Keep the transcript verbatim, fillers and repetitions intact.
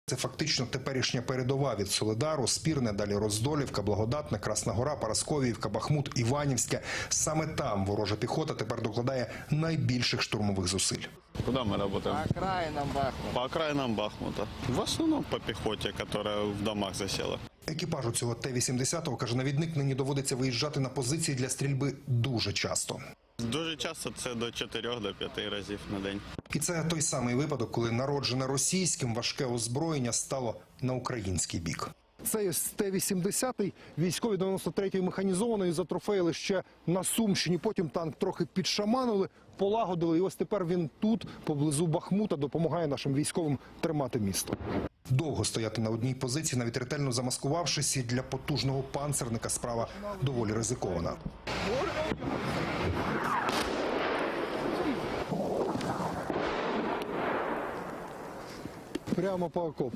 Це фактично теперішня передова від Солидару, Спірне, далі Роздолівка, Благодатне, Красна Гора, Парасковіївка, Бахмут, Іванівське. Саме там ворожа піхота тепер докладає найбільших штурмових зусиль. Куда мы работаем? По окраинам Бахмута. По окраинам Бахмута. В основном по пехоте, которая в домах засела. Екіпажу цього Т вісімдесят, каже навідник, нині доводиться виїжджати на позиції для стрільби дуже часто. Дуже часто це до чотирьох до п'яти разів на день. І це той самий випадок, коли народжене російським важке озброєння стало на український бік. Цей Т вісімдесят військові дев'яносто третьої механізованої затрофеїли ще на Сумщині. Потім танк трохи підшаманили, полагодили. І ось тепер він тут, поблизу Бахмута, допомагає нашим військовим тримати місто. Довго стояти на одній позиції, навіть ретельно замаскувавшись, і для потужного панцерника справа доволі ризикована. Прямо по окопу.